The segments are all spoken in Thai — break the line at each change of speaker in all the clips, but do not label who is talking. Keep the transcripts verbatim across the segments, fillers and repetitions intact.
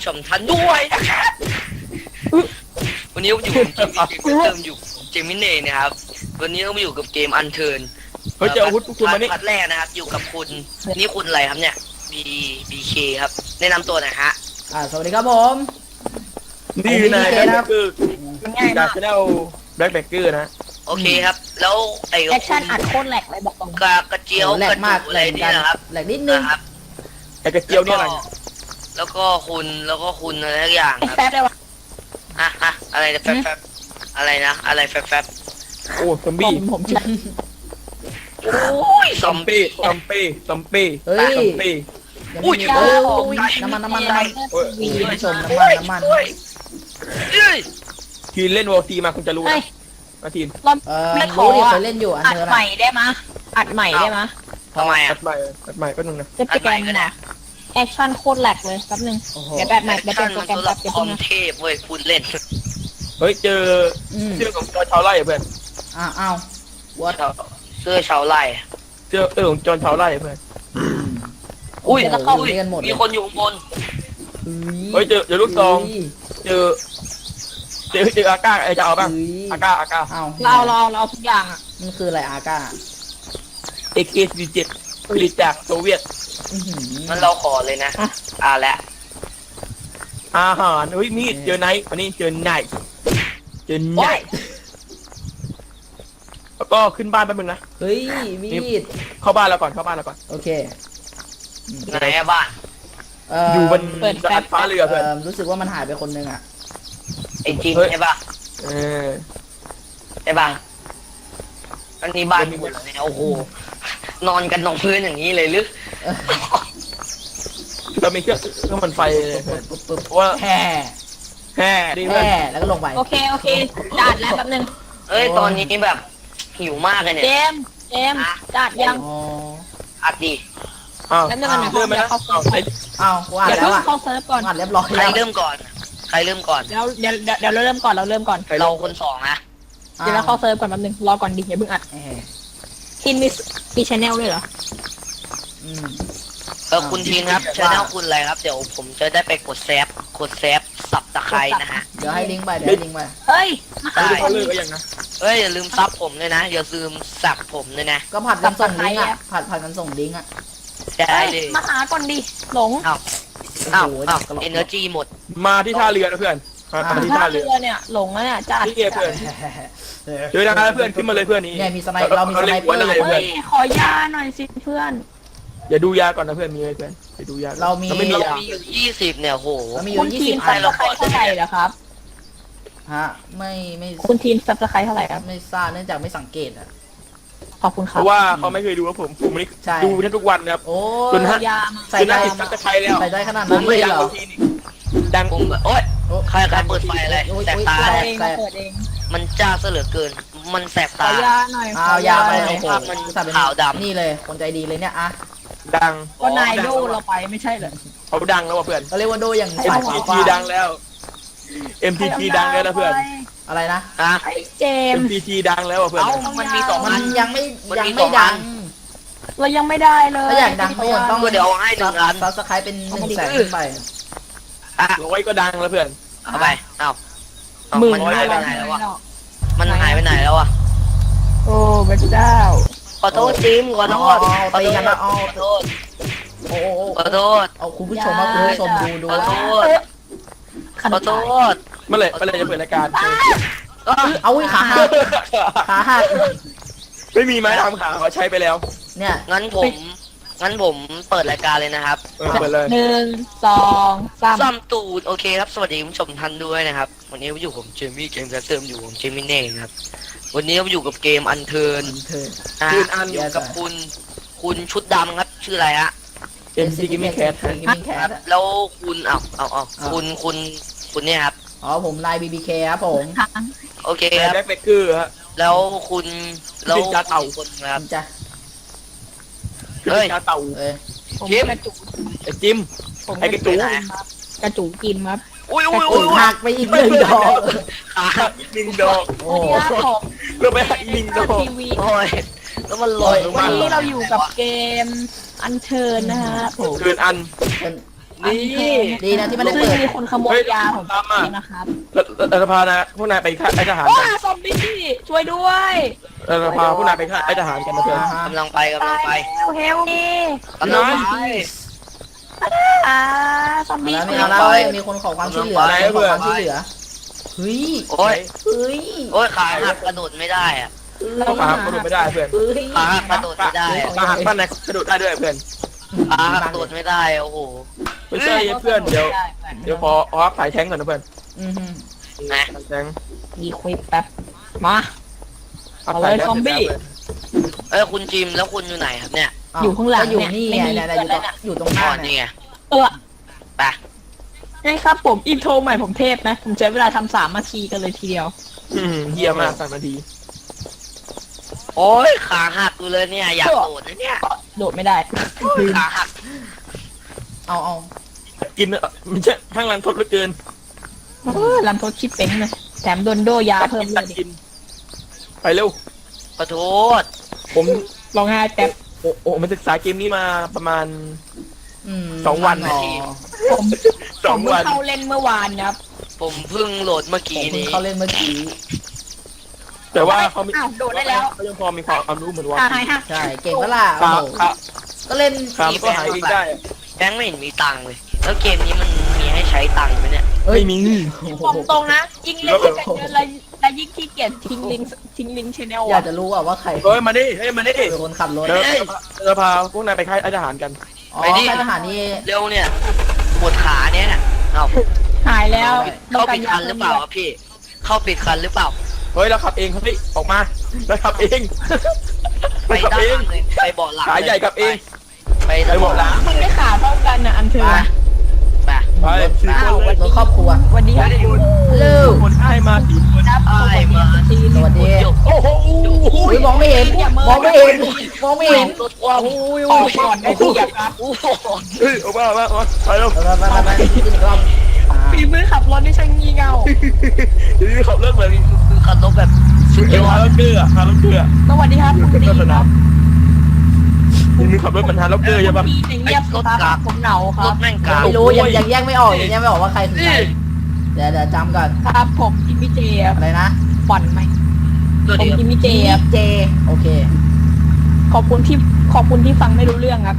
ผู้ชมท่านด้วยนะครับวันนี้ผมอยู่กับเกมเติมอยู่เจมิเน่นะครับวันนี้เรามาอยู่กับเกมอันเทิร์น
เฮ้ยเจออาวุธพวกคุณมานี่
พัดแรกนะครับอยู่กับคุณนี่คุณอะไรครับเนี่ยบีบีเคครับแนะนำตัวหน่อยฮะ
อ่าสวัสดีครับผม
นี่คือนาย
ผม
แบ
มี
ล็
เกมครับ
คเกอร์จากชาแนลแบล็คแบคเกอร์นะ
โอเคครับแล้วไอ้
แอคชั่นอัดโคตรแหลกเลยบอกตรง
กระกระเจียว
โอ้แหล
ก
ก
ระ
มาก
ดูอะไร
เหมือน
นี่
กัน
นะครับ
แหลกนิดนึง
นะครับ
ไอ้กระเจียวเนี่ยอะไร
แล้วก็คุณแล้วก็คุณอะไรทุกอย่าง
ไอ้
ครับ
แป๊บเลยวะ
ฮะฮะอะไรนะแฟบแฟบอะไรนะอะไรแฟบแฟบ
โอ้ซอม
ผ
บี้
มผมชื่อ
โอ้ยซ
ซ
อ
อ
ม
ม
บี้
บี้ซอมบี้ซอมบี้
เฮ้ย
ซอมบี้
ยัง
อุ้
ไม่
ย
มี
โอ้
โอ้
ย
ยน้ำมันน้ำมันน้ำมัน
โอ้ย
มีผู้ชมน้ำมันน้ำมัน
เอ้ย
ทีเล่นวอลซีมาคุณจะรู้
เฮ้ย
นะมาทีม
เรา
เออ
ไม่ขอ
รู้ดิเคยเล่นอยู่อัน
อัด
เธอ
ให
นะ
ม่ได้มะอัดใหม่ได้มะ
ทำไม
อั
อ่ะ
ดใหม่อัดใหม่แป๊บนึงนะ
จะ
อัด
แก
ใหม่
น
ก็ได้
นะแอคชั่นโคตรแหลกเลยแป๊บนึง
โอ้โห
เดี๋ยวแบบใหม่เดี๋ยวเป็นโปร
มัน
แกรม
สำห
แป๊
รั
บบ เดี๋ยว
คอ
เพิ่ง
ม
นะ
เทพเว้ยพูดเล่น
เฮ้ยเจอ
อืม
เสื้อของจอร์ชาวไร่เพื่อน
อ้าวอ้าววัด
เสื้อชาวไร่
เสื้อเออของจอร์ชาวไร่เพื่อน
อุ้ย
แล้ว
เข้า
เข้าเรียนหมดเล
มี
ย
คนอยู่ข้างบน
เฮ้ยเจอเจอลูกซอง
เฮ้ย
เจอเจอเจออาก้าไอจะเอาบ้าง
เฮ้ย
อาก้าอาก้า
อ้าว
เราเราเราเอาทุกอย่างอ่ะ
มันคืออะไรอาก้า
เอเคสี่เจ็ดผลิตจากโซเวียต
อื้อหือ
มันเราขอเลยนะอ่าและ
อาหารเฮ้ยมีดเจอไนท์วันนี้เจอไนท์เจอไนท์แล้วก็ขึ้นบ้านแป๊บนึงนะ
เฮ้ยมีด
เข้าบ้านเราก่อนเข้าบ้านเราก่อน
โอเค
ไหนอะบ้าน
เ
อยู่บนดาดฟ้าเรือเพื่อน
เอ่อรู้สึกว่ามันหายไปคนนึงอ่ะ
ไอ้จริง
เฮ้ย
ใช่ปะ
เออ
ใช่ปะอันนี้บ้านคุณเหรอเนี่ยโอ้โหนอนกันนองพื้นอย่างนี้เลยหรือ
เออ
เรามีเครื่องเครื่องมันไฟเลยเพื่อน
ปึ๊บปึ๊บ
เพราะว่า
แห่
แห่ดีเพื่อน
แห่แล้วก็ลงไป
โอเคโอเคจัดแล้วแป๊บนึง
เอ้ยตอนนี้แบบหิวมากเลยเนี่ย
เจมส์เจมส์จัดยัง
อ๋อ
อัดดิ
อ้าว
แล้วนึงอันไหน
เริ่มไหมนะ
เข้า
อ้าวไอ้
อ้าวกูอ่าน
เดี๋ยว
แล้ว
เพิ่ง
อ่ะ
เข้าเซิร์ฟก่อน
อ่านเรียบร้อย
ใคร
แล้ว
เริ่มก่อน ใครเริ่มก่อน
เดี๋ยวเดี๋ยวเดี๋ยวเดี๋ยวเราเริ่มก่อนเราเริ่มก่อน
ใคร
เรา
เรา
คนสองนะ
เดี๋ยวเราเข้าเซิร์ฟก่อนแป๊บนึงรอก่อนดิอย่าเพิ่งอัด
แห่
ทินมีมีชแนลด้วยเหรอ
อืม
เออคุณทีนครับชแนลคุณอะไรครับ เดี๋ยวผมจะได้ไปกดแซฟกดแซฟสับตะไคร้นะฮะ
เดี๋ยวให้ลิงก์ไปเดี๋ยวให้ลิงก์ไป
เฮ้ยมา
ไม่
หา
ได้
ก่อ
เขา
น
เลิ
ดิ
กก็ยังนะ
เฮ้ยอย่าลืมซับผมด้วยนะอย่าลืมสับผมด้วยนะ
ก็ผัดกันส่งลิงก์
สับตะไคร้
อ่ะ
อะ
ผัดผัดกันส่งลิงก์อ่ะ
ได้เลย
มาหาก่อนดิหลง
อ้าวอ้าว
โอ้โห
อ้าว
กระโหลก
เอเนอร์จีหมด
มาที่ท่าเรือนะเพื่อนมามาที่
ท่า
ท่า
เรื
เรือ
อเนี่ยหลงแล้วเนี่ยจัด
นี่ไงเพื่อนเจอแล้วเพื่อนขึ้นมาเลยเพื่อนนี่
เนี่ยมีสไนเปอร์เรามีสไนเปอร์
เลยเพื่
เฮ้
อน
ยขอยาหน่อยสิเพื่อน
อย่าดูยาก่อนนะเพื่อนมีไหมเพื่อนอย่าดูยาก่อน
เรามี
ไม่มี
เรา
ยา
มีอยู่ยี่สิบเนี่ยโห
เรามีอ
คุ
ยู่
ณ
ยี่
ที
สิ
ม
บ
ซั
อั
บ
น
สไครต์เท่าไหร่เหรอครับ
ฮะไม่ไม่
คุณทีมซับสไครต์เท่าไหร่ครับ
ไม่ทราบเนื่องจากไม่สังเกตอ่ะ
ขอบคุณค
เพ
รับ
ราะว่าเขาไม่เคยดูว่าผมผมนี่
ใช่
ดูแทบทุกวันนะครับ
โอ้
จนฮะ
ยามา
ใส่
คือ
ได้
น่าติดซับสไครต์แล้ว
ใส่ได้ขนาด
ผ
นั้
ม
นเล
ไม่
ย
อยาก
เหรอ
เอาทีนี่ดัง
ผมแบบโอ๊ย
โอ้
ใครใครเปิดไฟอะไร
โอ้ย
แสบ
โอ้ย
ตา
เรา
แส
เอง
แส
เรา
บ
เปิดเอง
มันจ้าซะเหลือเกิน มันแสบ
ขอ
ตา
ยาหน่อย
เอายาไป
โอ้
โอ้
โห
โห
มัน
อุตส่าห์เป็น
ขาวดำ
นี่เลยคนใจดีเลยเนี่ยอะ
ดัง
ก็นายโดเราไปไม่ใช่เหรอ
เขาดังแล้วว่ะเพื่อน
เขาเรียกว่าโดอย่าง
เอ็
สาม ย
ที
ฟ้า
ทีดังแล้ว เอ็ม ที ที ดังแล้วนะเพื่อน
อะไรนะ
ฮะ
ไอ้เจ
เอ็
ม
ม
ส์
ที ที ดังแล้วว่ะเพื่อน
เอ้ามันมีสอง
มั
อั
น
น
ยังไม่
มัน
ยัง
มี
ไม่
สอง
ดั
อั
ง
น
เรายังไม่ได้เลย
ถ้าอยากดังก็ยังต้อง
ก็เดี๋ยวเอาให้หนึ่งอัน
ซับสไครต์เป็นหนึ่งแสนขึ้นไป
อ่ะ
ร้อยก็ดังแล้วเพื่อน
เอาไปเอ้าเอ้า
หมื่น
มันหายไปไหน
แล้
แล้ว
ว
วะมันหายไปไหนแล้ววะ
โอ้พระเจ้า
ขอโทษจิมขอโทษ
เอา
ขอ
ตี
โทษ
กันนะเอา
ขอโทษ
โอ้โห
ขอโทษ
เอาคุณผู้ชมครับคุณผู้ชมดูดู
ขอโทษขอโทษ
เมื่อไหร่เมื่อไหร่จะเปิดรายการ
อ้าว
เอาอุ้ยขาหักขาหัก
ไม่มีไม้ทำขาเขาใช้ไปแล้ว
เนี่ย
งั้นผมงั้นผมเปิดรายการเลยนะครับ
เออเปิดเลย
หนึ่งสองสาม
ซ้ำตูดโอเคครับสวัสดีคุณผู้ชมท่านด้วยนะครับ วันนี้ผมอยู่ผมเจมี่เกมกระเติมอยู่ผมเจมี่เน่ครับวันนี้ผมอยู่กับเกมอันเทิร์น
เธอ
นะ
คื
ฮะ
นอัน
อยู่กับคุณคุณชุดดำครับชื่ออะไรฮะ
เอ็มซีกิมมี่แคท
กิมมิ่งแค
ครั
ท
บแล้วคุณเอาเอาเอาคุณคุณคุณเนี่ยครับ
อ๋อผมไลน์บีบีเคครับผม
ทาง
โอเค
แบ
ครับ
ล็คเบเกอร์ฮะ
แล้วคุณแล้ว
เป็นการเต่า
คนครับ
จ้ะ
เฮ้ย
ชาเต่า
เอ้ย
ผม
ชิม
กระจุก
ไอ้จิม
ผม
ไอ้กระจุก
กินครับกระจุกกินครับ
อุ้ยอุ้ย
โอ้
อุ้
ย
ย
หักไปอีกหนึ่งดอก
ขา
อีกหนึ่งดอก
โอ้
วัน
โห
นี้ผม
เราไปหักอีกหนึ่งดอก
ทีวี
โอ้ยแล้วมันลอยลง
วั
มาน
นี้เราอยู่กับเกมอันเชิญนะฮะผม
คืนอัน
เป็น
นี่
ดีนะที่ไม่ได้
ซึ่ง
เปิด
มีคนขโมยยาผมไปนะครับ
แล้วแล้วจะพานะพวกนายไปฆ่าไอ้ทหาร
โอ้
กัน
ซอมบี้ช่วยด้วย
เราจะพาพวกนายไปฆ่าไอ้ทหารกันนะเพื่อน
อ่าฮะ
กำลังไปกำลังไป
แล้วเฮลนี่
กำลังไป
อ่าซอม
เอา
บี้
แล้วไม่เอาแล้วเว้ยมีคนขอความช่วยเหลือมีคนขอความช่วยเหลือเฮ้ย
โอ้ย
เฮ้ย
โอ้ยขาหักกระโดดไม่ได้อะ
เรา
ขาหักกระโดดไม่ได้เพื่อน
เฮ้ย
ขาหักกระโดดไม่ได้อะ
ขาหักบ้านนายกระโดดได้ด้วยเพื่อน
ขาหักกระโดดไม่ได้โอ้โห
ไม่ใช่เพื่อนเดี๋ยวเดี๋ยวขอขอสายแทงก่อนนะเพื่อน
อือฮึ
นะ
สายแทง
ดีควิปแป๊บมา เอาเลยซอมบี้
เอ้ยคุณจิมแล้วคุณอยู่ไหนครับเนี่ย
อยู่ข้างหลัง
ก็อยู่
เนี่ย
นี่
ไม่
ไง
มี
เนี่ยเนี่ยอยู่ตรงอยู่ตรงห
อ๋
น้า
อ
เนี่
นี่
ย
ไง
เออ
ไป
นี่ครับผมอินโทรใหม่ผมเทพนะ ผมใช้เวลาทำสามนาทีกันเลยทีเดียว
อืมเยี่ยมมากสามนาที
โอ้ยขาหักอยู่เลยเนี่ยอยากโดดนะเนี่ย
โดดไม่ได้
ขาหัก
เอาเอา
กินเออมันจะข้างหลังทดเหลือเกิน
เออลำโพงชิปเป็นเลยแถมโดนโดยาเพิ่มเลยดิ
กินไปเร็ว
ขอโทษ
ผม
ลองไห้แป๊บ
โอ้โอ้มันศึกษาเกมนี้มาประมาณ
อืม
สองวัน
อ๋อ
ผม
ส
ผ
อง
มเพิ่
วั
ง
น
เข้าเล่นเมื่อวานครับ
ผมเพิ่งโหลดเมื่อ
ผม
กี้
เพิ่ง
นี้
เข้าเล่นเมื่อกี้
แต่ว่าเขามี
อ้าวโดดได้แล้ว
เขายังพอมีความรู้เหมือนว่า
อ่าหายฮะ
ใช่เก่งปะล่ะโอ้
ขา
โห
ขา
ก็เล่น
ขามันก็หายเองได้อะ
แบงค์ไม่เห็นมีตังค์เลย แล้วเกมนี้มันมีให้ใช้ตังค์ไหมเนี่ย
เอ้ย
ไม่มี
โอ้โห
ตรงตรงๆนะยิ่งเล่นยิ่งเยอะเลยและยิ่งขี้เกียจทิ้งลิงก์ทิ้งลิงก์ชแนล
อยาก
อ่ะ
จะรู้อะว่าใคร
เฮ้ยมาดิเฮ้ยมาดิ
เป็นคนขับรถ
เดี๋ยวเราจะพาพวกนายไปค่ายทหารกัน
อ๋อ
ไปดิ
ค่ายทหารนี่
เร็วเนี่ยปวดขาเนี่ยเอ้า
หายแล้ว
เข้าปิดคันหรือเปล่าครับพี่ เข้าปิดคันหรือเปล่า
เฮ้ยเราขับเองครับพี่ออกมาเราขับเอง
ไป
เราขับ
ด้าน
เอ
ห
ง
ลังเลยไปเบาะหลัง
ขาใหญ่กับเอง
ไป
ไป
ด้าน
เบาะหลัง
มึงได้ขาเท่ากันนะอันเธอ
ไป
ไปสี่คนเลย
รถครอบครัว
วันนี้ครับคุณ
ฮัลโหล
คนให้มาสี่คน
ครับ
ไอ้มา
ที
สวัสดี
หยก
โอ้โห
อุ้ยมองไม่เห็น มองไม่เห็น มองไม่เห็น
รถความ
อุ้ย
อ
อุ้
อย กก่อนได้ที่ครับ
โอ้โห
เฮ้ยออกมาออกมาออกมาไปเร็ว
ไปไปไปไปขึ้นอีกรอบอ่า
ฝีมือขับรถไม่ใช่งี่เง่า
เดี๋ยวนี้ขับรถเหมือน
คือคันรถแบบสุดย
เดี๋ยว
อ
พา
ด
รถเกลือพารถเกลือ
สวัสดีครับคุณดีครับ
เดี๋ยวนี้ขับรถเหมือนฮาร์ล็อกเกอร์ใช่ปะ
พี่เงียบสิครับผมเหงาค
ร
รับ
ถแม่งกลาง
ไม่รู้ยังยังแยกไม่ออกยังแยกไม่ออกว่าใครคือใครเดี๋ยวเดี๋ยวจำก่อน
ครับผมกิมมี่เจครับ
อะไรนะ
บ่อนไหม
ตัว
ผม
เดียว
กิมมี่เจครับ
เจโอเค
ขอบคุณที่ขอบคุณที่ฟังไม่รู้เรื่องครับ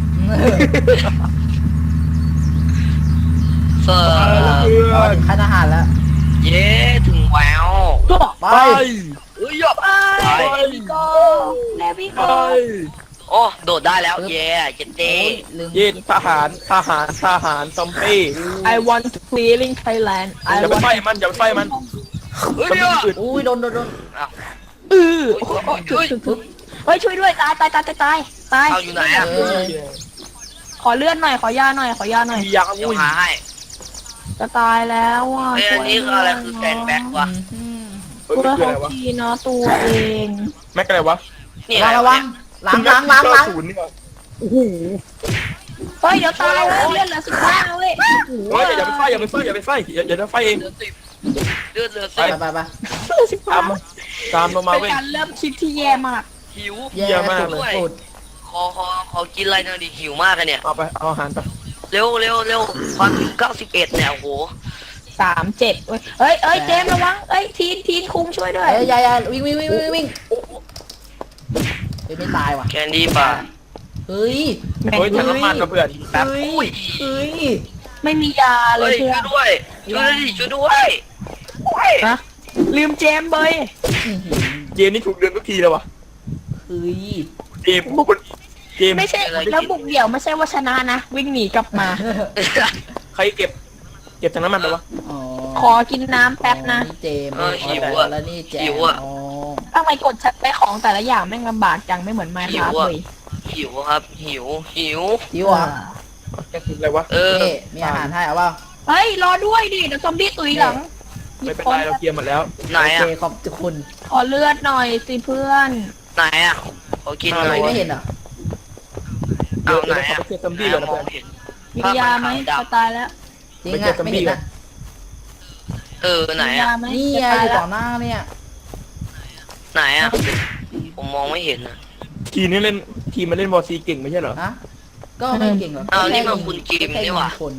เฟอ
เรา
ร์
ถึงค่ายทหารแล้ว
เย้ถึงแวว
ก็
ไป
ไป
เอ้ยยบ
ไปเลวิโก้เลวิ
ไป
โก้
โอ้โดดได้แล้วเย้เจ็ดเต้
โอ้ยลืม
เย็นทหารทหารทหารซอมบี้
ไอ want to feeling Thailand
อย่าไปไฟมันอย่าไปไฟมัน
เฮ้ย
ซอม
เดี๋ยว
บี้อื่น
อุ้ยโดนโดนโดน
เออโอ้โหถึกถึกถึกเฮ้ยช่วยด้วยตายตายตายตายตายตาย
เอาอยู่ไหนอ่ะ
เออ
ขอเลื่อนหน่อยขอยาหน่อยขอยาหน่อย
มียาง
เดี๋ยว
อุ้ย
หาให้
จะตายแล้วอ่ะ
เอ้ยอันนี้คืออะไรคือแกนแบ็กวะ
อืม
เฮ้ย
ตัว
มันคือ
เขา
อะไรวะ
ทีเนาะตัวเอง
แม็กอะไรวะ
นี่
ระ
อะไร
วังระวังหลังหลังหลังหลัง
ศูนย์นี่วะโอ้โห
เฮ้ยเดี๋ยวตายเลยเลื่อนเหลือสิบห้าเว้ย
เฮ้ยอย่าไปไฟอย่าไปไฟอย่าไปไฟอย่าอย่าไปไฟเอง
เลือดสิบเลือดเหลือ
ไป
สิบ
ไปไป
สิบ
ตา
ห้าม
มาตามเรามา
เป็น
เว้ย
การเริ่มคลิปที่แย่มาก
หิว
แย่
เยี่ยมมากเลย
สุด
ขอขอขอกินอะไรหน่อยดิหิวมากเลยเนี่ย
เอาไปเอาอาหารไป
เร็วเร็วเร็วความถึงเก้าสิบเอ็ดเนี่ยโอ้โห
สามเจ็ดเว้ยเอ้ยเอ้ยเจมส์ระวังเอ้ยทีนทีนคุงช่วยด้วย
เอ้ยยายาวิ่งวิ่งวิ่งวิ่งวิ่งเฮ้ยไม่ตายว่ะ
แคนดี้ป่ะ
เฮ้ย
แม่ง
เฮ้ยถังน้ำมันกับเพื่อน
แป๊บ
เฮ้ย
อุ้ย
เฮ้ย
ไม่มียาเล
เฮ้
ย
ย
เพื่
ช่
อ
วน ยด้วยช่วยด้วยดิช่วยด้วยโอ้ย
นะลืมเจมส์เบย
อื้อหือ
เกมนี้ถูกเดือนทุกทีเลยวะ
เฮ้ย
เกมพวกคนเกม
ไม่ใช่แล้วบุกเดี่ยวไม่ใช่ว่าชนะนะ วิ่งหนีกลับมา
ใครเก็บ เก็บถังน้ำมันไปวะ
อ๋อ
ขอกินน้ำแป๊บนะ
นี่เจมส์
เออหิว
อ๋อ
อะ
แล้วนี่แจม
หิวอะ
อ๋อ
ทำไมกดไปของแต่ละอย่างแม่งลำบากจังไม่เหมือนไมค์ครับเลย
หิวครับหิวหิว
หิวอ่ะ
แกกินอะไรวะ
เออ
นี่มีอาหารให้เอาเปล่า
เฮ้ย รอด้วยดิเดี๋ยวซอมบี้ตุยหลัง
ไม่เป็นไรเราเคลียร์หมดแล้ว
ไหน
โอเค
อ่ะ
ขอบคุณ
ขอเลือดหน่อยสิเพื่อน
ไหนอ่ะขอกินหน่อย
ไม่เห็นเหรอ
เอาไหน
เดี๋ยว
อ่ะ
เราไปเคลียร์ซอมบี้ก่อนนะเพื่อน
มียาไหมจะตายแล้ว
จริง
ไม่
อ่ะ
เจอซอม
ไม่
บี้
เห็น
ก่อ
นะ
น
เออไหน
มี
อ่ะ
ยาไหม
นี่ไง
จะ
อ
ตาย
ยู่
แล้
ต่
ว
อหน้าเนี่ย
ไหนอ่ะผมมองไม่เห็นอ่ะ
ทีมนี้เล่นทีมมาเล่นวอร์ซีเก่งไม่ใช่เหรอ
ฮะก็ไม่เก่งหรอก
อ้าวนี่มันคุณจิมนี่หว่า
คน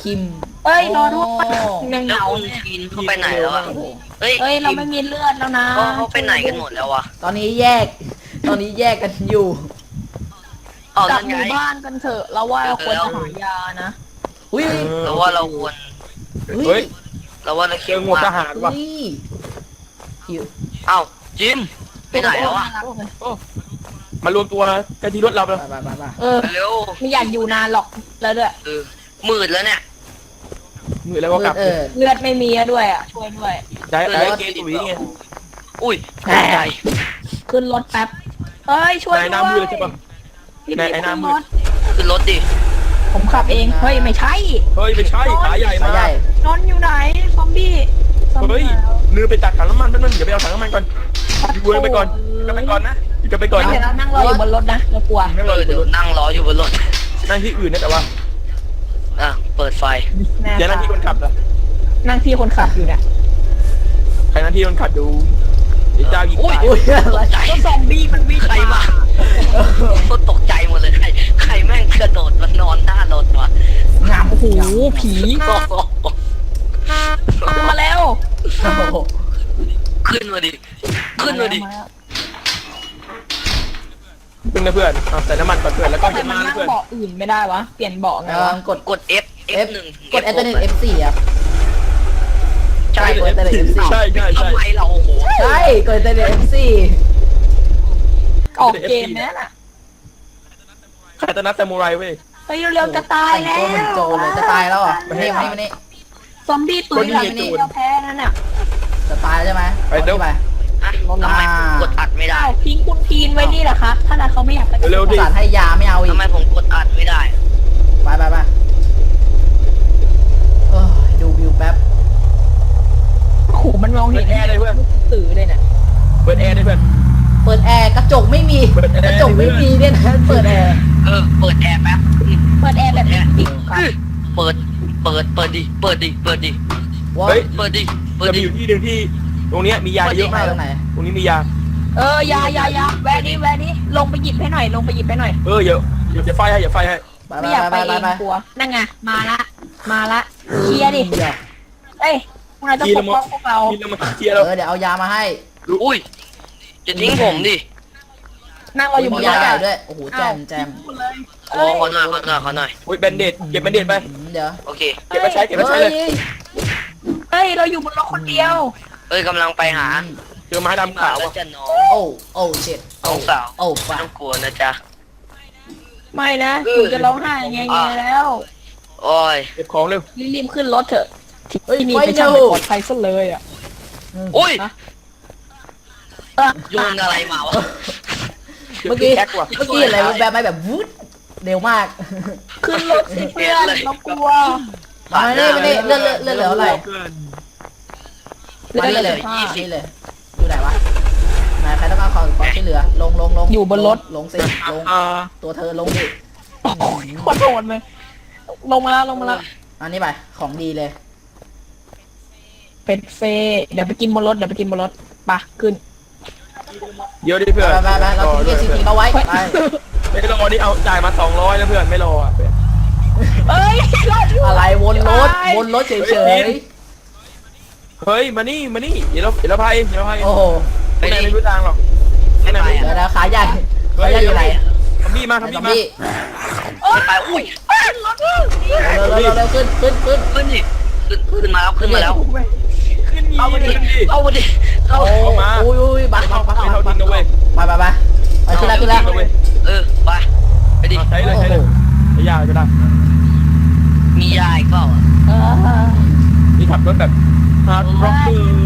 คิม
เอ้ยรอด้วย
โ
ยัง
แล้ว
เหงา
คุณ
เนี่ย
ทีนเขาไปไหนแล้วอ่ะ
โอ้โห
เฮ้ย
เอ้ยเราไม่มีเลือดแล้วนะ
เขาเขาไปไหนกันหมดแล้ววะ
ตอนนี้แยก ตอนนี้แยกกันอยู่
อ๋อก
ลั
นั่
บ
น
ห
ไง
มู่บ้านกันเถอะเราว่าเราควรจะหายานะ
อุ้ย
เราว่าเราควร
เฮ้ย
เราว่าเรา
เจ
เคี่ย
อ
ว
หมวกท
มาก
หารว่ะ
อุ้ยหิว
เอ้าจิมไปไหนแล้วอ่ะ
มารวมตัวกันที่รถเราแล้ว
ไปไปไปไป
เออ
เร็ว
ไม่อยากอยู่นานหรอกแล้วด้วย
เออมืดแล้วเนี่ย
มือแล้วก็กลับ
เออ
เลือดไม่มีอะด้วยอ่ะช่วยด้วย
ได้ได้เกมตุ๋ยไง
อุ้ย
แหม่
ใจ
ขึ้นรถแป๊บเอ้ยช่วย
นาย
ด้
น้ำมื
ว
อย เลยใช่ปะ
พี่
ไหน
พี่
ไอ้หน้ามื
ขึ้
ด
รถ
ขึ้นรถดิ
ผมขับเองเฮ้ยไม่ใช่
เฮ้ยไม่ใช่ขาใหญ่
สาม
าย
ใหญ่
นอนอยู่ไหนซอมบี้ซอม
เฮ้ย
บี้แล้ว
ลืมไปตักถังน้ำมันแป๊บนึงเดี๋ยวไปเอาถังน้ำมันก่อนอยู่เวรไปก่อนอยู่กันไปก่อนนะอยู่กันไปก่อน
เดี๋ยว
นะ
เรานั่งรออยู่บนรถนะเรากลัว
นั่ง
เอ
รอ
อ
อยู่บ
เดี๋
น
ยว
รถ
นั่งรออยู่บนรถ
นั่งที่อื่นนะแต่ว่า
อ่ะเปิดไฟ
แน่
อย่านั่งที่คนขับนะ
นั่งที่คนขับอยู่เนี่ย
ใครนั่งที่คนขับดูเดี๋ยวเจ้ายิงตาย
อุ้ยอะไร
ใจ
ก็ซอมบี้มันวิ่ง
ใครมาโคตรตกใจหมดเลยใครใครแม่งกระโดดมานอนหน้ารถวะ
งามโอ้โหผี
โอ้โห
มาแล้ว
โอ้โห
ขึ้นมาดิขึ้นมาดิ
เพื่อนนะเพื่อนเอาใส่น้ำมันก่อนเพื่อนแล้วก็
ทำไม
เดี๋ยว
มั
มาน นะ
นั่ง
เพื่อน
เบาะอื่นไม่ได้วะเปลี่ยนเบาะไง
เออ
วะ
กด
กด F F หนึ่ง
กด Enter F สี่ครับ
ใช่
กด Enter F สี่
ใช่ใช่ใช่
ทำไมเราโอ้โห
ใช่กด Enter F สี่
ออกเกมแน่น่ะ
ใครตะนัดซามูไรเว้ย
เฮ้ยเร็วๆจะตาย
แต่ง
แล้
ตัวเหมือนโจรเลยจะตายแล้วเหรอ่ะ
ไม่
มา
ให้
นี่มานี่มานี่
ซอมบี้ตุ้ยหลังนี้เราแพ้นั่นน่ะ
จะตายแล้วใช่ไหม
ไปเร็ว
ไป
อ่ะทำไมผมกดอัดไม่ได้
อ้าวทิ้งคุณพีนไว้นี่เหรอครับถ้าเขาไม่อยากไป
เร็ว
ประสานให้ยาไม่เอาอีก
ทำไมผมกดอัดไม่ได้
ไปไปไปเออดูวิวแป๊บ
โอ้โหมันมองเห็นสื่อเลยเนี่ย
เปิดแอร์ด้วยเพื่อน
เปิดแอร์กระจกไม่มี
เปิดแอร์
กระจกไม่มีเนี่ยนะเปิดแอร์
เออเปิดแอร์แป๊บอืม
เปิดแอร์แบบนี้ปิดครับ
เปิดเปิดเปิดดิเปิดดิเปิดดิ
ว่า
เฮ้ย
เปิดดิเปิด
จะมี
ดิ
อยู่ที่หนึ่งที่ตรงเนี้ยมียาเยอะ
ไหน
มาก
ตรงไหน
ตรงนี้มียา
เออยายายาแวะนี้แวะนี้ลงไปหยิบให้หน่อยลงไปหยิบให้หน่อย
เออเดี๋ยวเดี๋ยวจะไฟให้เดี๋ยวไฟให้
ไป
ไม่อยาก
ไป
ไป
ไป
เอง
ไป
กลัวนั่นไงมาละมาละเคลียร์ดิ
เดี๋ยว
เอ้ยพวกนายต้องปกป้องพวกเรา
กินแล้วมาเคลียร์
เอ
เรา
อเดี๋ยวเอายามาให้
อุ้ยจะทิ้งผมดิ
นั่งเราอยู่บ
มี
นร
ยา
ถ
ใหญ่
อะ
ด้วยโอ้โหแจมแจม
ขอขอหน่อยขอหน่อยขอหน่อย
อุ้ยแบนเดดเก็บแบนเดดไป
อืมเดี๋ยว
โอเค
เก็บมาใช้เก็บมาใช้
เฮ้
เลย
ย
เฮ้ยเราอยู่บนรถคนเดียว
เอ้ยกำลังไปหา
เจอไม้ดำขาว
แล้ว
อ่ะ
จะน้อง
โอ้โอ้เจ็ด
น้องสาว
โอ้
ไม่
ปะ
ต้องกลัวนะจ๊ะ
ไม่นะ
เออ
หนูจะร้องไห้ไงไงแล้ว
โอ้ย
เก็บของเร็ว
รีบๆขึ้นรถเถอะ
เฮ้ย
ที่นี่
ไฟ
เป็น
เร็
ช่าง
ว
ไม่ปลอดภัยซะเลยอ่ะ
อุ้ย
เออ
โยนอะไรมาวะ
เมื่อกี้
แท็กว่ะ
เมื่อกี้อะไรแบบไหมแบบวุ้ดเร็วมาก
ขึ้นรถสิเพื่อนเรากลัว
มาเนี่ยมาเนี่ยเลื่อนเลื่อนเลื่อนเหลืออะไร
เพื่อน
มานี่เลย
ยี่สิบ
นี่เลยอยู่ไหนวะไหนใครต้องการความความช่วยเหลือลงลงลง
อยู่บนรถ
ลงสิลง
อ่า
ตัวเธอลงดิ
โคตรโหดเลยลงมาแล้วลงมาแล้ว
อันนี้ไปของดีเลย
เป็ดเฟย์เดี๋ยวไปกินบนรถเดี๋ยวไปกินบนรถไปะขึ้น
เยอะดิเพื่อน
ไปไปไปเราทิ้งเกียร์สีทิ้งเอาไว้ไป
ไม่รอนี่เอาจ่ายมาสองร้อยแล้วเพื่อนไม่รออ่ะ
เอ้ยรอดอยู่
อะไรวนรถวนรถเฉย
เฮ้ยมานี่มานี่เดี๋ยวเราเดี๋ยวเราพายเดี๋ยวเราพาย
ๆโอ้โห
ไม่ได้ไม่รู้ทางหรอก
ไม่ไป
เดี๋ยว
อ่ะ
นะขาใหญ่ขาใหญ่อยู่ไหน
ทำบี้มา
ไหน
ทำ
ซ
บี้
อม
มา
บี้
ไม่ไปอุ้ย
รถอยู่
เร็วเร็วเร็วเร็วขึ้นขึ้นขึ้น
ขึ้นดิขึ้นขึ้นมาแล้วขึ้นมาแล้ว
ขึ้น
เอามาดิ
ขึ้นดิ
เอามาดิเอา
โอ้ยอุ้ยบักเข้าบักเข้า
ไม่เท่า
บั
ทิ้
ก
งนะเว้ย
ไปไปไปไปขึ้นแล้วขึ้นแล้ว
เออไปไปดิ
ใช้เลยใช้เลยใช้ยาจะได้
มียาอีกเปล่าอ่ะ
เออ
นี่ขับรถแบบฮาร์ดร็อกเกอร์
ใจ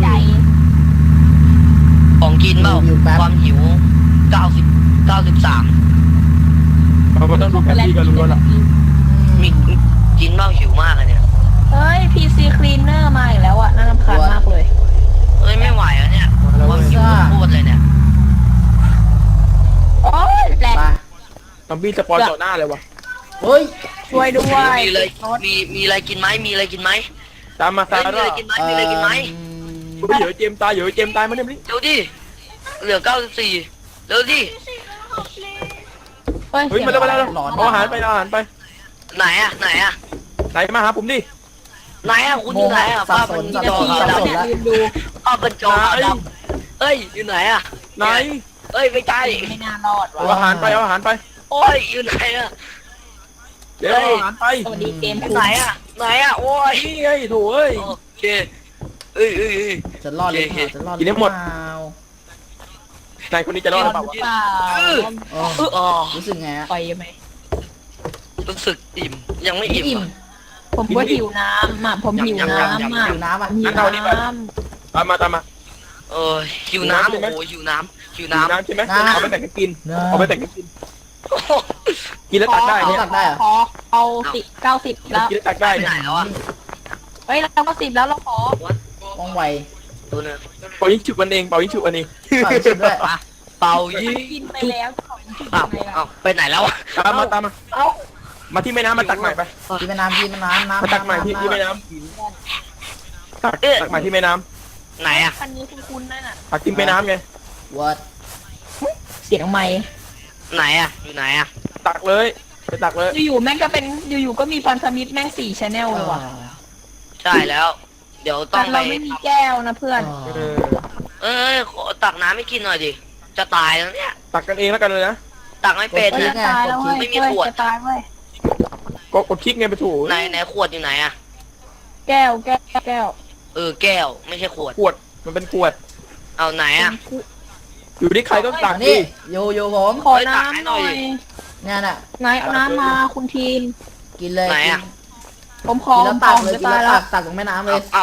ของกินเปล่าความหิวเก้าสิบเก้าสิบสาม
เราก็ต้องดูแผนที่กันรู้แล้วล่ะ
มีกินเปล่าหิวมากเลยเนี่ย
เฮ้ย พี ซี Cleaner มาอีกแล้วอ่ะน่ารำคาญมากเลย
เอ้ยไม่ไหวแล้วเนี่ยความหิวโคตรเลยเนี่ย
โอ้ยแหลก
ไป
ซอมบี้สปอนต่อหน้าเลยวะ
เฮ้ย
ช่วยด้วย
มีเลยมีมีอะไรกินไหมมีอะไรกินไหม
ตามมา
เฮ้
ซาย
มี
ร่า
อะไรกินไหมมีอะไรกินไหม
เฮ้ยเดี๋ยวเจมตายเดี๋ยวเจมตายมาเนี่ยนี่
เร็วดิเหลือเก้าสิบสี่เร็วดิ
เฮ้ย
เฮ้ยมาแล้วมาแล้วเอาอาหารไปเอาอาหารไป
ไหนอ่ะไหนอ่ะ
ไหนมาหาผมดิ
ไหนอ่ะคุณอยู่ไหนอ่ะ
สับ
ภาพ
ส
มัน
น
มี
สับ
จอ
สน
ขาว
สับ
ด
สนแล้ว
ลืมดู
ำภาพเป็นจอขาวดำเอ้ยอยู่ไหนอ่ะ
ไหน
เอ้ยไม่ใช่
ไม่น่ารอด
เอา
ว่ะ
อาหารไปเอาอาหารไป
โอ้ยอยู่ไหนอ่ะ
เดี๋ยวเอาอาหารไป
สวัสดีเกม
อยู่
คุณ
ไหนอ่ะไหนอ่ะโอ้ย
นี่ไงโถูเอ้ย
โอเคเอ้ยเอ้ยเอ้ย
จะรอดหรือเปล่าจะรอดหรือ
กินให้หมด
เปล่า
นายคนนี้จะรอดหรือเปล่าวะ
เปล่า
อ๋อ
อ๋อ
รู้สึกไงฮะ
ปล่อยไหม
รู้สึกอิ่มยังไม่อิ่ม
อิ่ม
อ่ะ
ผมก็หิวน้ำอ่ะผมหิวน้ำ
ยำๆๆ
อ่ะ
หิวน้ำอ่ะ
หิวน้
ตามมาตามมา
เออหิวน้ำโอ้โหหิวน้ำหิว
น้
น้ำ
ำใช่ไหม
น้ำ
เอาไปแบ่งกันกิน
น้ำ
เอาไปแบ่งกันกิน กินแล้ว
ำ
ตักได้
เอา
เนี่ย
ตักได้เหรอ
ขอเอาสิบเก้าสิบแล้ว
กินแล้วตักได้
ไป
เนี่ย
ไหนแล้วอ่ะ
เฮ้ยเราก็สิบแล้วเราขอ
ว่องไว
ตัวนึง
เป่ายิงฉุบมันเองเป่ายิงฉุบมันเอง
ฝากชิมด้วย
เป่ายิ
กิ
ง
นไปแล้วของกิน
อ้าว
ไปแล้ว
อ้าวไปไหนแล้วอ่ะ
ตามมาตามมา
เอ้า
มาที่แม่น้ำมาตักใหม่ไป
กินแม่น้ำกินแม่น้ำน้ำ
มาตักใหม่ที่ที่แม่น้ำตักตักใหม่ที่แม่น้
ไหนอ่ะ
คันนี้คุณคุณนั่นน่ะ
ำตักที่แม่น้ำไง
วัด
เสียงไม้
ไหนอ่ะอยู่ไหนอ่ะ
ตักเลยไปตักเลย
อยู่ๆแม่งก็เป็นอยู่ๆก็มีพันธมิตรแม่งสี่ชแนลเลยว่ะ
ใช่แล้ว เดี๋ยวต้
แต่
องไป
เราไม่มีแก้วนะเพื่อน
เออ
เอ้ยขอตักน้ำให้กินหน่อยดิจะตายแล้วเนี่ย
ตักกันเองแล้วกันเลยนะ
ตักไม่เป็น
เฮ้ย
นะ
จะตายแล้วเว้ย
ไม่มี
เฮ้ย
ขวด
จะตายเว้ย
ก็กดคลิกไงไปถู
ไหนไหนขวดอยู่ไหนอ่ะ
แก้วแก้วแก้ว
เออแก้วไม่ใช่ขวด
ขวดมันเป็นขวด
เอาไหนอ่ะ
อยู่ที่ใครก็ตัก
นี่
ดิ
โยโย่ผม
ขอ
เฮ้ยตักให้
น้ำ
ห
ห
น่
น่
อ
อย ย
เนี่ยน่ะ
ไหนเอาน้ำมาคุณทีม
กินเลย
ไหน
กิน
อะ
ผมขอ
กินแล้ว
ผ
ตัก
ม
เลย
จะ
กิน
ตาย
แล้ว
แล้
ตัว กตักตรงแม่น้ำเล
เอา
ย
เอา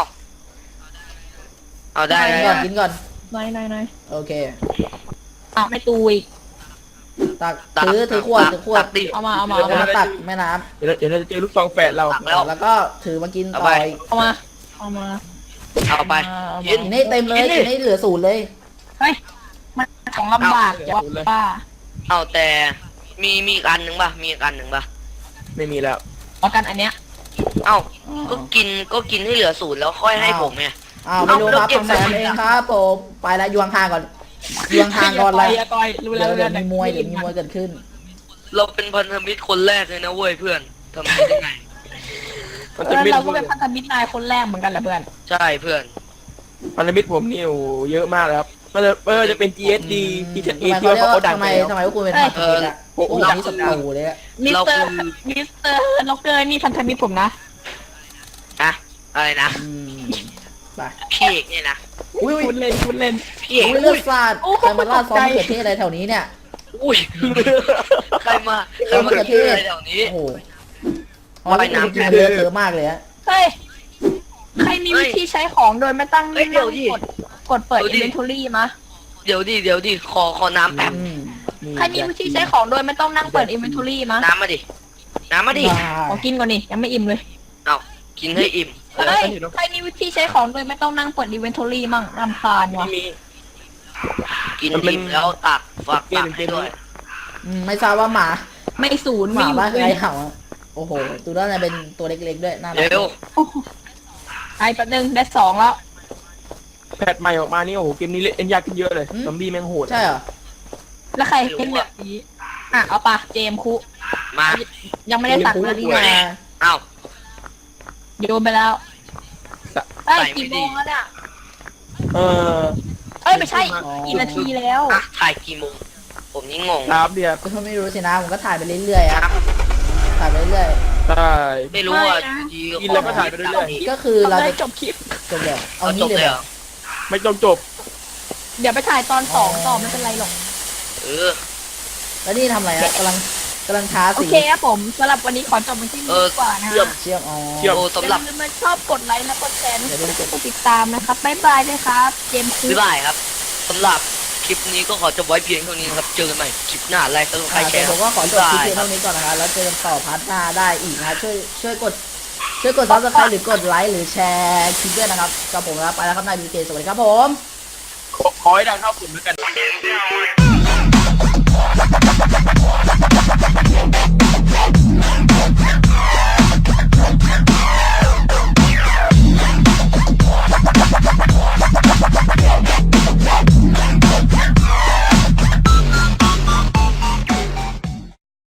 เอาได้
กิน
ได้
ก่อน
ได้
กินก่อน
ไหนไหนไหน
โอเค
เอาไม่ตูอีก
ตักถือถือขวดถือขวด
ตักดิ
เอามาเอามา
แล้ว
เอา
ก็
มา
มาตักแม่น้
เดี๋ยวเราเดี๋ยวเราจะเจอลูกซองแฝดเรา
ตักแล้ว
ำแล้วก็ถือมากินต่
เอา
อ
ไป
อีก
เอามาเอามา
เอาไป
เอามา
กิน
กินให้เต็มเลย
กินดิ
กินให้เหลือศูนย์เลย
เฮ้ยมันของลำบากจะป้า
เอาแต่มีมีอีกอันหนึ่งป่ะมีอีกอันหนึ่งป่ะ
ไม่มีแล้ว
เอากันอันเนี้ย
เอ้าก็กินก็กินให้เหลือศูนย์แล้วค่อยให้ผมไง
อ้าวไม่รู้ครับ
เอา
ทำแซมเองครับผมไปแล้วยวงห่างก่อนยวงห่างก่อนเลย
อย่าต่อยรู้แล้
เดี๋ยว ว
รู้
เดี๋ยว
แล้ว
มีมวยเดี๋ยวมีมวยเกิดขึ้น
เราเป็นพันธมิตรคนแรกเลยนะเว้ยเพื่อนทำไมได้ไง
มัน
เอ
จะ
อ
มี
เราก็เป็นพันธมิตรนายคนแรกเหมือนกันแหละเพื่อน
ใช่เพื่อน
พันธมิตรผมนี่โอ้โหเยอะมากเลยครับมันจะเออจะเป็น จี เอส ดี ที เอ
ทำไม
ที่
เขา
ว่า
เรียก
เขา
ว่า
ดัง
ทำ
ไป
ไม
แล้ว
ทำไมพวกคุณเป็นพันธมิตรอ่ะ
โอ้โห
พวกนี้ศัตรูเลยอะ
มิส
เรา
เตอ
คื
ร์
อ
มิสเตอร์ล็อกเกอร์นี่พันธมิตรผมนะ
อะอะไรนะ
อืมไป
พี่เอกเนี่ยนะ
อุ้ยอุ้ย
คุณเล่นคุณเล่น
พี่เอก
อุ้ยเลื
อุ้
อย ดสาด
โอ้โห
ใครมาล่าดซอส
ตกใจ
มะเขือเทศอะไรแถวนี้เนี่ย
อุ้ยใครมาใครมา
ซอสมะเขือเท
กิน
ศ
อะไรแถวนี้
โอ้โหอ๋อแล้วคุณกินเยอะเยอะมากเลยฮะ
เฮ้ยใครมีวิธีใช้ของโดยไม่ตั้ง
เฮ้ยเดี๋ยวดิ
กดกดเปิด
เดี๋ยวดิ
inventory มะ
เดี๋ยวดิเดี๋ยวดิขอขอน้ำแป๊บ
อืม
ใครมีวิธีใช้ของโดยไม่ต้องนั่งเปิด inventory มะ
น้ำมาดิน้ำมาดิ
ได้
ขอกินก่อนนี่ยังไม่อิ่มเลย
เอากินให้อิ่ม
เฮ้ยใครมีวิธีใช้ของโดยไม่ต้องนั่งเปิด inventory มั่งรำคาญ
ไม่
ว่ะ
มี
กิน
มันเป็น
อิ่มแล้วตักฝากตักให้ด้วย
อืมไม่ทราบว่าหมา
ไม่ศูนย์
ห
ไม่
มา
อยู่
บ้าน
เล
ใคร
ย
เห่าอะโอ้โหตัวนั้นน่ะเป็นตัวเล็กๆด้วยน่ารัก
เร็ว
ไอ้แป๊บนึงได้สองแล้ว
แพทใหม่ออกมานี่โอ้โหเกมนี้เล่นยากขึ้นเยอะเลยซอมบี้แม่งโหด
ใช่เหรอ
แล้วใครเป็นแบบนี้อ่ะเอาปะเจมส์คุ
มา
ยังไม่ได้ตัด
พู
เล
ด
ย
นี่
นี่
นะ
เอา
โยนไปแล้วเอ้ย
ใส่ไม่
กี่
ดี
โมงแล้วเนี่ย
เออ
เอ้ยไม่ใช่กี่นาทีแล้ว
อ่ะถ่ายกี่โมงผมนี่งง
ครับเดียว
ก็ไม่รู้สินะผมก็ถ่ายไปเรื่อยๆอะถ่ายไปเรื่อย
ใช่
ไม่รู้อ่ะ
ไม่นะ
ดี
กินแล้วก็ถ่ายไปเรื่อย
ๆก็คือเรา
เรา
จะ
จะจบคลิป
จบเดี๋ยวเอา
เอาจ
งี้
บ
เลย
เลย
เห
เห
ร
ร
อ
อ
ไม่ต้องจบ
เดี๋ยวไปถ่ายตอนสองต่อไม่เป็นไรหรอก
เออ
แล้วนี่ทำอะไรอะกำลังกำลังทา
โอ
สี
เคครับผมสำหรับวันนี้ขอจบไปที่นี้ดีกว่านะ
เยี่ยม
ฮะ
เชื่อมอ๋อ
เชื่อม
โอ้
อ
สำหรั
ย่า
บ
ลืมมาชอบกดไลค์และกดแชร์และกดติดตามนะครับบ๊ายบายเลยครับเจมส์คุ
บ๊ายบายครับสำหรับคลิปนี้ก็ขอจบไว้เพียงเท่านี้นะครับเจอกันใหม่คลิปหน้าไลค์สำหรับใคร
อ่า
แช
เดี๋ยว
ร์
ผมก็ขอจบคลิปเพียงเท่านี้ก่อนนะคะแล้วเจอกันต่อพาร์ทหน้าได้อีกนะช่วยช่วยกดช่วยกดซับสไครต์หรือกดไลค์หรือแชร์คลิปด้วยนะครับกับผมนะครับไปแล้วครับนายบีเคสวัสดีครับผม
ขอขอให้ดังเท่าผมแล้วกัน